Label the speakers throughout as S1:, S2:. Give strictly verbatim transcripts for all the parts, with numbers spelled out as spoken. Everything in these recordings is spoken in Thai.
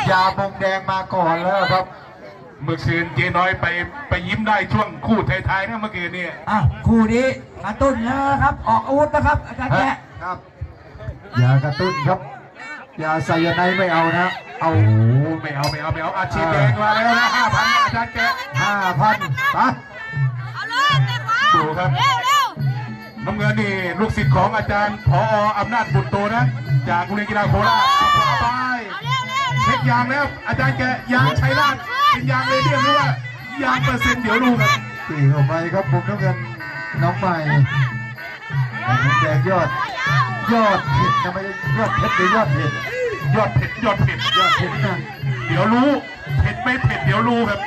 S1: ยามงแดงมาก่อนแล้วครับ
S2: เมื่อคืนเจ๊น้อยไปไปยิ้มได้ช่วงคู่ท้ายๆนะเมื่อคืนนี่
S3: อ่ะคู่นี้กระตุ้นนะครับออกอาวุธนะครับอาจารย์แกะ
S1: ครับอย่ากระตุ้นครับอย่าไซยาไนด์ไม่เอานะเอา
S2: ไม่เอาไม่เอาไม่เอาอาชีพแดงมาแล้วนะห้าพันอาจารย์แกะ
S1: ห้าพันไป
S2: ดูครับน้ำเงินนี่ลูกศิษย์ของอาจารย์ผอ.อำนาจบุตรโตนะจากโรงเรียนกีฬาโคราชเอาไปเช็คยางแล้วอาจารย์แกยางใช้ลาดเป็นยางเลยเรียกว่ายางเปอร์เซ็นต์เดี๋ยวรู้ครับ
S1: ตีเข้าไปครับมุมน้ำเงินน้องใหม่มุมแดงยอดยอดเผ็ดทำไมยอดเผ็ดหรือยอดเผ็ด
S2: ยอดเผ็ดยอดเผ็ด
S1: ยอดเผ็ดนะ
S2: เดี๋ยวรู้เผ็ดไม่เผ็ดเดี๋ยวรู้ครับ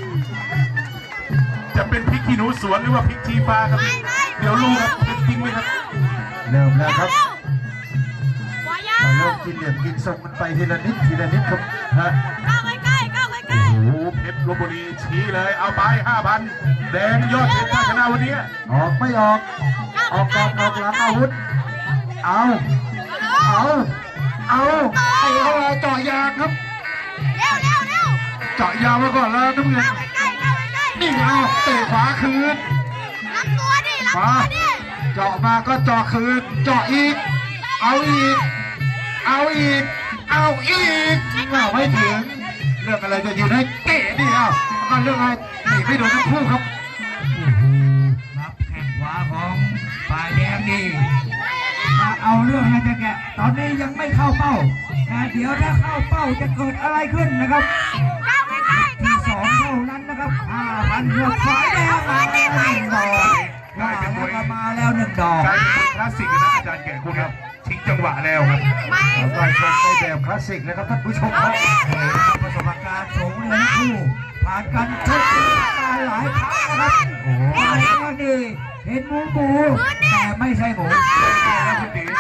S2: จะเป็นพริกขี้หนูสวนหรือว่าพริกชี้ฟ้าครับเดี๋ยวรู้ครับเผ็ดจริงไหมครับ
S1: เริ่มแล้วครับเริ่มกินเหลี่ยมกินทรงมันไปทีละนิดทีละนิดครับฮะ
S4: ก้าวใกล้ๆก้าวใกล้
S2: ๆโอ้โหเพชรลพบุรีชี้เลยเอาไปห้าพันแดงยอดเพชรชนะวันนี้
S1: ออกไม่ออกออกก่อนออกหลังอาวุธเอาเอาเอาไอ้เอาเจาะยางครับ
S4: เร็วเร็วเร็ว
S1: เจาะยางมาก่อนแล้วน้ำเงินนี่เอาเตะขวาคืน
S4: รับตัวดิรับตัวดิ
S1: เจาะมาก็เจาะคืนเจาะอีกเอาอีกเอาอีกเอาอีกเอาไม่ถึงเรื่องอะไรจะอยู่ในเตะนี่เอาก็เรื่องอะไรหนีไม่โดนทั้งคู่ครับ
S3: รับแข้งขวาของฝ่ายแดงดีมาเอาเรื่องนะจ๊ะแกตอนนี้ยังไม่เข้าเป้าแต่เดี๋ยวถ้าเข้าเป้าจะเกิดอะไรขึ้นนะครับที่สองเท่านั้นนะครับห้าพันหัวฝ่ายแดงมาแล้วหนึ่งดอก
S2: กลายเป็นมวย
S3: มาแล้วหนึ่งดอก
S2: กลายเป็นมวยคลาสสิกนะอาจารย์แก่คุณครับทิ้งจังหวะแล้วครับ
S1: เราชมในแบบคลาสสิกนะครับท่านผู้ชมครับ
S3: ประสบการณ์สูงเลยคู่ผ่านกันชกมาหลายครั้งนะครับโอ้โหนี่เห็นหมูหมูแต่ไม่ใช่หมู
S2: แล้วคุณตี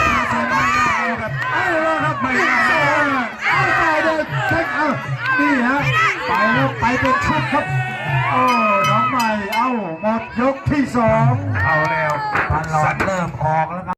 S1: เอาแล้วครับไม่ได้เอาไปเลยเช็คเอานี่ฮะไปแล้วไปเป็นชุดครับโอ้น้องใหม่เอ้าหมดยกที่สอง
S2: เอาแล้ว
S3: พันหลอดเริ่มออกแล้วครับ